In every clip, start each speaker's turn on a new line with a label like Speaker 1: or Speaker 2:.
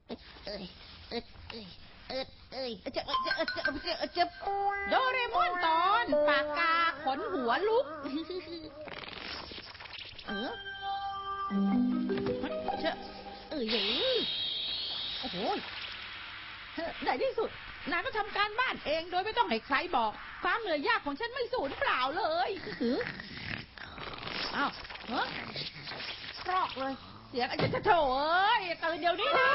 Speaker 1: เอ้ยเอ้ยเอ้ยเอ้ยเอ้ยเจ็บโดเรมอนตอนปากกาขนหัวลุกเชอะโอ้โหในที่สุดนายก็ทำการบ้านเองโดยไม่ต้องให้ใครบอกความเหนื่อยยากของฉันไม่สูญเปล่าเลยอ้าวกรอกเลยเสียงอาจจะโถเอ้ยตื่นเดี๋ยวนี้นะ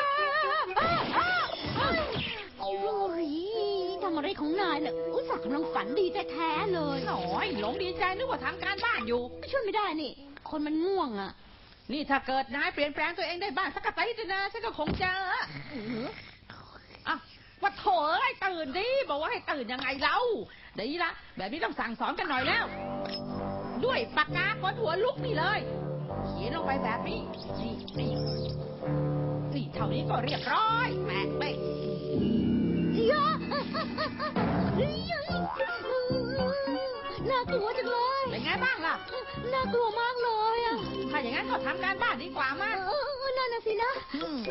Speaker 2: โอ้ยทำอะไรของนายเนี่ยอุตส่าห์กำลังฝันดีแท้ๆเลย
Speaker 1: หน่อยหลงดีใจนึกว่าทำการบ้านอยู่
Speaker 2: ช่วยไม่ได้นี่คนมันง่วงอ่ะ
Speaker 1: นี่ถ้าเกิดนายเปลี่ยนแปลงตัวเองได้บ้างสักกะไตนะฉันก็คงจะว่าโถเอ้ยตื่นดิบอกว่าให้ตื่นยังไงเล่าดีละแบบนี้ต้องสั่งสอนกันหน่อยแล้วด้วยปากกาขนหัวลุกนี่เลยเขียนลงไปแบบนี้นี่เท่านี้ก็เรียบร้อยแปะไป
Speaker 2: น่ากลัวจังเลย
Speaker 1: เป็นไงบ้างล่ะ
Speaker 2: น่ากลัวมากเลยอ่ะ
Speaker 1: ถ้าอย่างนั้นก็ทำการบ้านดีกว่ามั้ย
Speaker 2: นั่นน่ะสินะ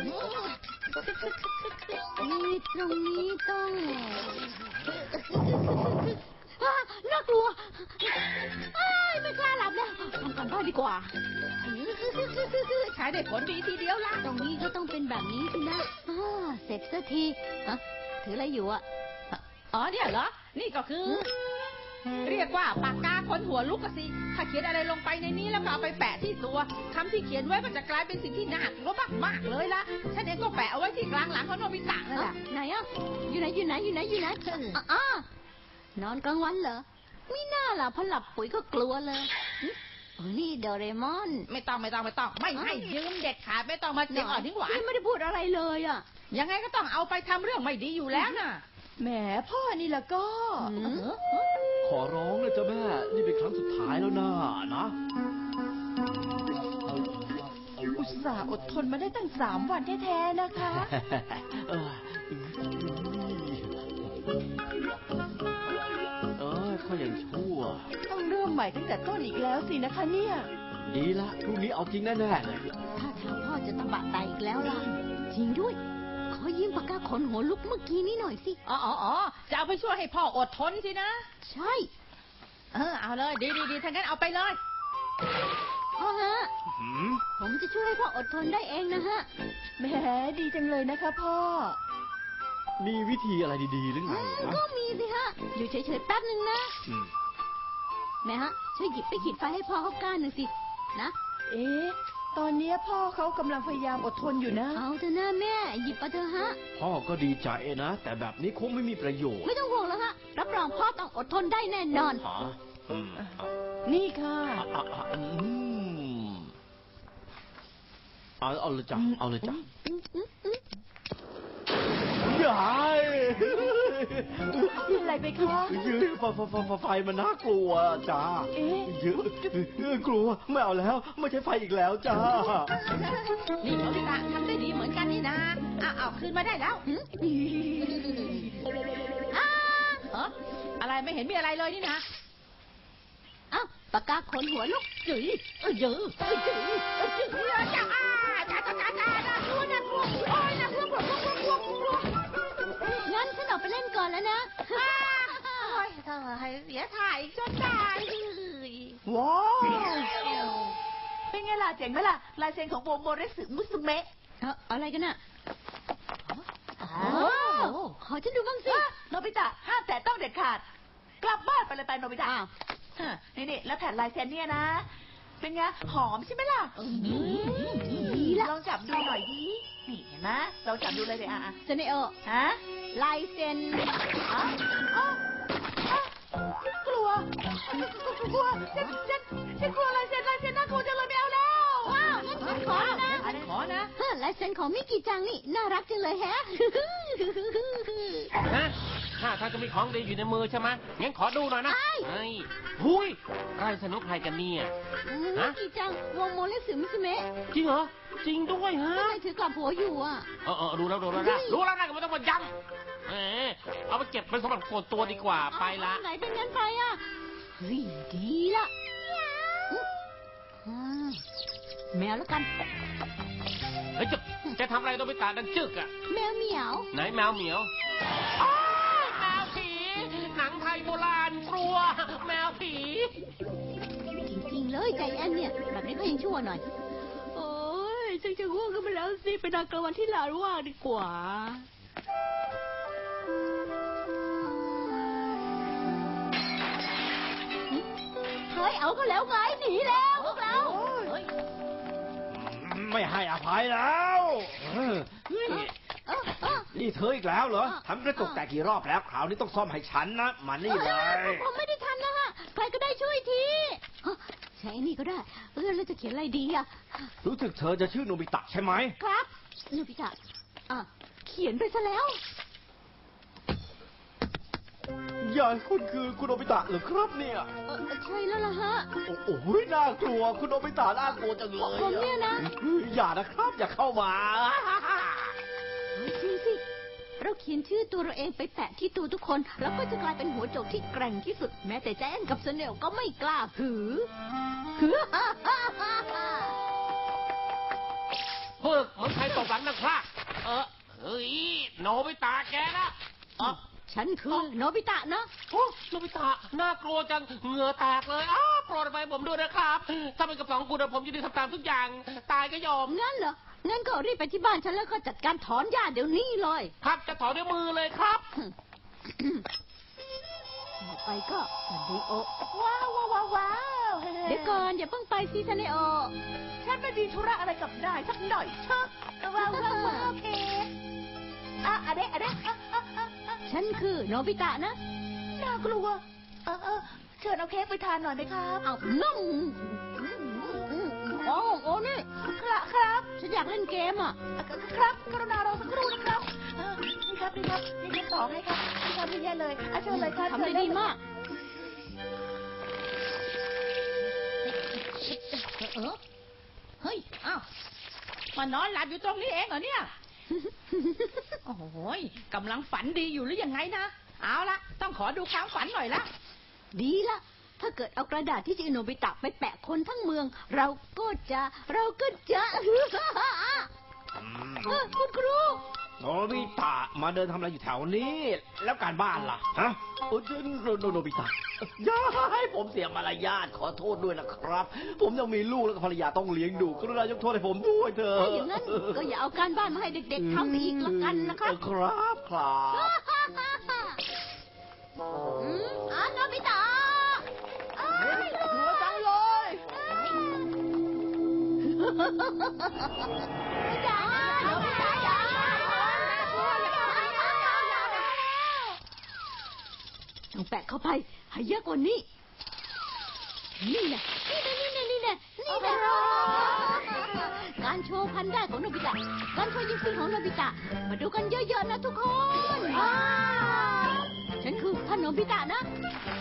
Speaker 2: นี่ตรงนี้ต้องน่ากลัวไม่กล้าหลับแล้วทำการบ้านดีกว่า
Speaker 1: ใช้ได้ผลดีทีเดียวละ
Speaker 2: ตรงนี้ก็ต้องเป็นแบบนี้สินะเสร็จสักทีถืออะไรอยู่อ่ะ
Speaker 1: เนี่ยเหรอนี่ก็คือเรียกว่าปากกาขนหัวลุกสิถ้าเขียนอะไรลงไปในนี้แล้วก็เอาไปแปะที่ตัวคำที่เขียนไว้ก็จะกลายเป็นสิ่งที่น่ากลัวมากๆเลยละฉันเองก็แปะเอาไว้ที่กลางหลังของโนบิตะนั่นแหละ
Speaker 2: ไหนอ่ะอยู่ไหนนอนกลางวันเหรอไม่น่าล่ะพอหลับปุ๋ยก็กลัวเลยนี่โดเรมอน
Speaker 1: ไม่ต้องไม่ให้ยืมเด็ดขาดไม่ต้องมาเจ็บอ่อนทิ้งหวาน
Speaker 2: ไม่ได้พูดอะไรเลยอ่ะ
Speaker 1: ยังไงก็ต้องเอาไปทำเรื่องไม่ดีอยู่แล้วน่ะ
Speaker 3: แหมพ่อนี่ละก็
Speaker 4: ขอร้องเลยจ้ะแม่นี่เป็นครั้งสุดท้ายแล้วนะ
Speaker 3: อุตส่าห์อดทนมาได้ตั้ง3 วันแท้ๆนะคะ
Speaker 4: พ่อยังชั่ว
Speaker 3: ต้องเริ่มใหม่ตั้งแต่ต้นอีกแล้วสินะคะเนี่ย
Speaker 4: ดีละพรุ่งนี้เอาจริงแน่ๆเลย
Speaker 2: ถ้าทางพ่อจะตะบะไตอีกแล้วล่ะจริงด้วยขอยืมปากกาขนหัวลุกเมื่อกี้นี้หน่อยสิ
Speaker 1: จะเอาไปช่วยให้พ่ออดทนสินะ
Speaker 2: ใช่
Speaker 1: เอาเลยดีถ้างั้นเอาไปเลย
Speaker 2: พ่อฮะผมจะช่วยให้พ่ออดทนได้เองนะฮะ
Speaker 3: แหมดีจังเลยนะคะพ่อ
Speaker 4: มีวิธีอะไรดีๆหรือไง
Speaker 2: ก็มีสิฮะอยู่เฉยๆแป๊บนึงนะแม่ฮะช่วยหยิบไปขีดไฟให้พ่อเขาก้านหนึ่งสินะ
Speaker 3: ตอนนี้พ่อเขากำลังพยายามอดทนอยู่นะ
Speaker 2: เอาเถอะนะแม่หยิบมาเถอะฮะ
Speaker 4: พ่อก็ดีใจนะแต่แบบนี้คงไม่มีประโยชน์
Speaker 2: ไม่ต้องห่วงแล้วฮะรับรองพ่อต้องอดทนได้แน่นอน
Speaker 3: นี่ค่ะ
Speaker 4: เอาเลยจ้ะ
Speaker 3: ยายอะไรไปคะ
Speaker 4: ไฟมันน่ากลัวจ้ากลัวไม่เอาแล้วไม่ใช่ไฟอีกแล้วจ้า
Speaker 1: นี่โนบิตะทำได้ดีเหมือนกันนี่นะเอาคืนมาได้แล้วอะไรไม่เห็นมีอะไรเลยนี่นะ
Speaker 2: ปากกาขนหัวลุก
Speaker 1: จืดน่ากลัว
Speaker 2: งั้นฉันออกไปเล่นก่อนแล้วนะ
Speaker 1: เสียถ่ายจนได้
Speaker 3: ว้าวเป็นไงล่ะเจ๋งไหมล่ะลายเซ็นของโมเรสึมุสเมะ
Speaker 2: อะไรกันน่ะขอฉันดูบ้างสิ
Speaker 3: โนบิตะห้ามแตะต้องเด็ดขาดกลับบ้านไปเลยไปโนบิตะนี่แล้วแผ่นลายเซ็นเนี่ยนะเป็นไงหอมใช่ไหมล่ะลองจับดูหน่อยดินี่เห็นไหมลองจับดูเลยเดี๋ยว
Speaker 2: เซเนโอลายเซ็น
Speaker 3: กลัวฉันกลัวลายเซ็นน่ากลัวจังเลยไม่เอาแล้ว
Speaker 2: ว้าวงั้นฉันขอนะลายเซ็นของมิกิจังนี่น่ารักจังเลยแฮะ
Speaker 5: ถ้าจะมีของดีอยู่ในมือใช่ไหมงั้นขอดูหน่อยนะหุยใครสนุกใครกันเนี่ย
Speaker 2: มิกิจังวงโมเลสึมิสเมะ
Speaker 5: จริงเหรอจริงด้วยฮะ
Speaker 2: ทำไมถือกลับหัวอยู่อ่ะ
Speaker 5: รู้แล้วนะก็ไม่ต้องมาย้ำเอาไปเก็บเป็นสมบัติส่วนตัวดีกว่าไปละ
Speaker 2: ไหนเป็นงั้นไปอ่ะเฮ้ยดีละแมวแล้วกัน
Speaker 5: ฮ้ยจะทำอะไรโนบิตะดังจึกอะ
Speaker 2: แมวเหมียว
Speaker 5: ไหนแมวเหมียวอ้ายแมวผี หนังไทยโบราณกลัว แมวผี
Speaker 2: จริงๆเลยใจแอนเนี่ยแบบนี้ก็ยังชั่วหน่อยโอ้ยฉันจะง่วงกันไปแล้วสิไปนอนกลางวันที่ลานว่างดีกว่าเฮ้ยเอาก็แล้วไงหนีแล้วพวกเรา
Speaker 4: ไม่ให้อภัยแล้วนี่เธออีกแล้วเหรอทำกระจกแตกกี่รอบแล้วคราวนี้ต้องซ่อมให้ฉันนะมานี่เลย
Speaker 2: ผมไม่ได้ทันนะฮะใครก็ได้ช่วยทีใช้นี่ก็ได้แล้วจะเขียนอะไรดีอ่ะ
Speaker 4: รู้สึกเธอจะชื่อโนบิตะใช่ไหม
Speaker 2: ครับโนบิตะเขียนไปซะแล้ว
Speaker 4: อย่าคุณคือคุณโนบิตะเหรอครับเนี่ย
Speaker 2: ใช่แล้วล่ะฮะ
Speaker 4: โอ้โหน่ากลัวคุณโนบิตะน่ากลัวจังเลย
Speaker 2: ผมเนี่ยนะ
Speaker 4: อย่านะครับอย่าเข้ามา
Speaker 2: จริงสิเราเขียนชื่อตัวเราเองไปแปะที่ตัวทุกคนแล้วก็จะกลายเป็นหัวโจกที่แกร่งที่สุดแม้แต่แจนกับเสเนลก็ไม่กล้าหือ
Speaker 5: ฝึกเหมือนใครตกหลังนักพากเฮ้ยโนบิตะแกนะ
Speaker 2: ฉันคือโนบิตะนะ
Speaker 5: โอ้โนบิตะน่ากลัวจังเหงื่อแตกเลยโปรดไปผมด้วยนะครับถ้าเป็นกับสองคุณผมจะได้ทำตามทุกอย่างตายก็ยอม
Speaker 2: งั้นเหรองั้นก็รีบไปที่บ้านฉันแล้วก็จัดการถอนหญ้าเดี๋ยวนี้เลย
Speaker 5: ครับจะถอนด้วยมือเลยครับ
Speaker 2: ต่อไปก็ซันเดโอ
Speaker 3: ว้าวว้าวว้าว
Speaker 2: เดี๋ยวก่อนอย่าเพิ่งไปสิซันเดโอ
Speaker 3: ฉันไม่มีธุระอะไรกับนายสักหน่อยเชอะว้าวว้าวโอเคอะเดะ
Speaker 2: ฉันคือโนบิตะนะ
Speaker 3: น่ากลัวเชิญเอาเค้กไปทานหน่อยไหมครับ
Speaker 2: เอานุ่มโอ้นี่
Speaker 3: ครับ
Speaker 2: ฉันอยากเล่นเกมอ่ะ
Speaker 3: ครับกรุณารอสักครู่นะครับนี่ครับนี่ต่อให้ครับนี่ครับนี่เลยเชิญเลยครับ
Speaker 2: ทำได้ดีมาก
Speaker 1: เฮ้ยอ้าวมานอนหลับอยู่ตรงนี้เองเหรอเนี่ยโอ้โหกำลังฝันดีอยู่หรือยังไงนะเอาละต้องขอดูความฝันหน่อยละ
Speaker 2: ดีละถ้าเกิดเอากระดาษที่ชื่อโนบิตะไปแปะคนทั้งเมืองเราก็จะคุณครู
Speaker 4: โนบิตะมาเดินทำอะไรอยู่แถวนี้แล้วการบ้านล่ะฮะโนบิตะอย่าให้ผมเสียมารยาทขอโทษด้วยนะครับผมยังมีลูกและภรรยาต้องเลี้ยงดูกรุณายกโทษให้ผมด้วยเถอะ
Speaker 2: ถ้าอย่างนั้นก็อย่าเอาการบ้านมาให้เด็กๆทำอีกละกันนะครับ
Speaker 4: ครับ
Speaker 2: โนบิตะ
Speaker 4: หัวจังเลย
Speaker 2: ต้องแปะเข้าไปให้เยอะกว่านี้นี่แหละการโชว์พันได้ของโนบิตะการโชว์ยิงปืนของโนบิตะมาดูกันเยอะๆนะทุกคนฉันคือท่านโนบิตะนะ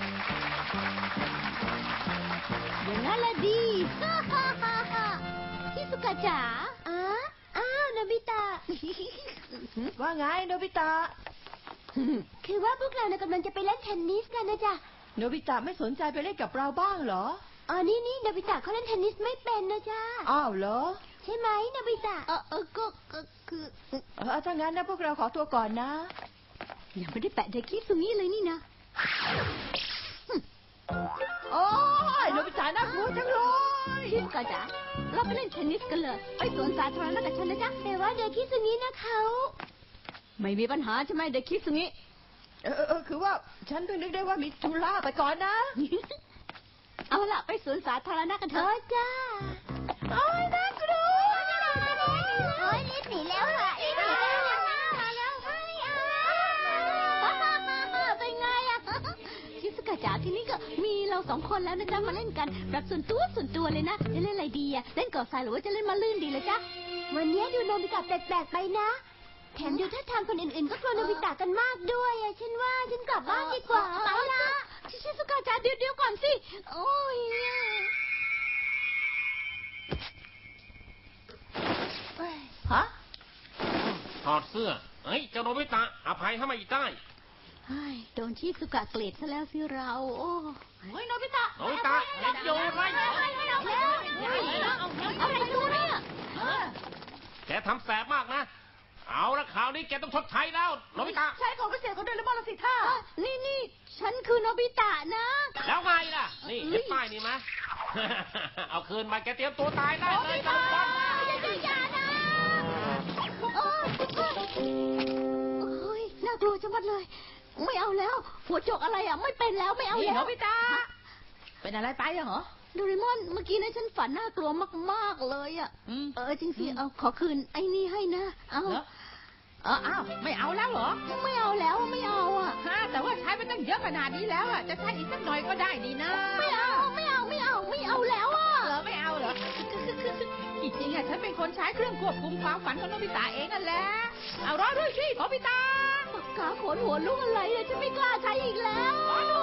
Speaker 2: อย่างนั้นแหละดีชิสุกะจ๋าโนบิตะ
Speaker 3: ว่าไงโนบิตะ
Speaker 2: คือว่าพวกเรากำลังจะไปเล่นเทนนิสกันนะจ๊ะ
Speaker 3: โนบิตะไม่สนใจไปเล่นกับเราบ้างเหรอ
Speaker 2: นี่โนบิตะเขาเล่นเทนนิสไม่เป็นนะจ๊ะ
Speaker 3: อ้าวเหรอ
Speaker 2: ใช่ไหมโนบิตะก็คือ
Speaker 3: ถ้างั้นนะพวกเราขอตัวก่อนนะ
Speaker 2: ยังไม่ได้แปะเด็กคิดตรงนี้เลยนี่นะ
Speaker 3: โอ้ยโนบิตะน่ากลัวจังเลย
Speaker 2: ชิสุกะจ๋าเราไปเล่นเทนนิสกันเลยไปสวนสาธารณะกับฉันนะจ๊ะแต่ว่าเด็กคิดตรงนี้นะเขาไม่มีปัญหาใช่ไหมเด็กคิดตรงนี้
Speaker 3: คือว่าฉันเพิ่งนึกได้ว่ามีธุระไปก่อนนะ
Speaker 2: เอาล่ะไปสวนสาธารณะกันเถอะจ้า
Speaker 3: โอ้ยน่ากลัว
Speaker 2: รีบหนีแล้วค่ะรีบหนีแล้วมาแล้วเป็นไงอะชิสุกะจ๋าทีนี้ก็มีเราสองคนแล้วนะจ๊ะมาเล่นกันแบบส่วนตัวเลยนะจะเล่นอะไรดีอะเล่นก่อทรายหรือว่าจะเล่นมาลื่นดีเลยจ๊ะวันนี้ดูโนบิตะแปลกๆไปนะแถมดูท่าทางคนอื่นๆก็กลัวโนบิตะกันมากด้วยฉันว่าฉันกลับบ้านดีกว่าไปละชิสุกะจ๋าเดี๋ยวก่อนสิโอ้ย
Speaker 3: ฮะ
Speaker 5: ถอดเสื้อเจ้าโนบิตะอภัยให้มาอีกได้
Speaker 2: โดนชิสุกะเกลียดซะแล้วสิเราโอ้
Speaker 3: ยโนบิตะ
Speaker 5: เห็นอยู่ไหม
Speaker 2: อะไรดูเนี่ย
Speaker 5: แกทำแสบมากนะ เอาละคราวนี้แกต้องชดใช้แล้วโนบิตะ
Speaker 3: ใช่ของพิเศษของโดเรมอนละสิท่า
Speaker 2: นี่ฉันคือโนบิตะนะ
Speaker 5: แล้วไงล่ะ นี่เห็นป้ายนี่ไหม เอาคืนมาแกเตรียมตัวตายได้เลยทุกคน
Speaker 2: อย่านะเฮ้ยน่ากลัวจังมัดเลย ไม่เอาแล้ว หัวโจกอะไรอ่ะไม่เป็นแล้วไม่เอา
Speaker 1: นี่
Speaker 2: แล้ว
Speaker 1: โนบิตะเป็นอะไรไปอะเหรอ
Speaker 2: โดเรมอนเมื่อกี้นะฉันฝันน่ากลัวมากๆเลยอ่ะ จริงสิเอาขอคืนไอ้นี่ให้นะ เอา
Speaker 1: เหรออ้าวไม่เอาแล้วเหรอ
Speaker 2: ไม่เอาแล้วไม่เอาอ่ะ
Speaker 1: ฮะแต่ว่าใช้ไปตั้งเยอะขนาดนี้แล้วอะจะใช้อีกสักหน่อยก็ได้นี่นะ
Speaker 2: ไม่เอาแล้วอ่ะ
Speaker 1: เหรอไม่เอาเหรอจริงๆอะฉันเป็นคนใช้เครื่องควบคุมความฝันของโนบิตะเองนั่นแหละเอารอด้วยสิโนบิตะ
Speaker 2: ปากกาขนหัวลูกอะไรเลยฉันไม่กล้าใช้อีกแล้ว
Speaker 1: รอด้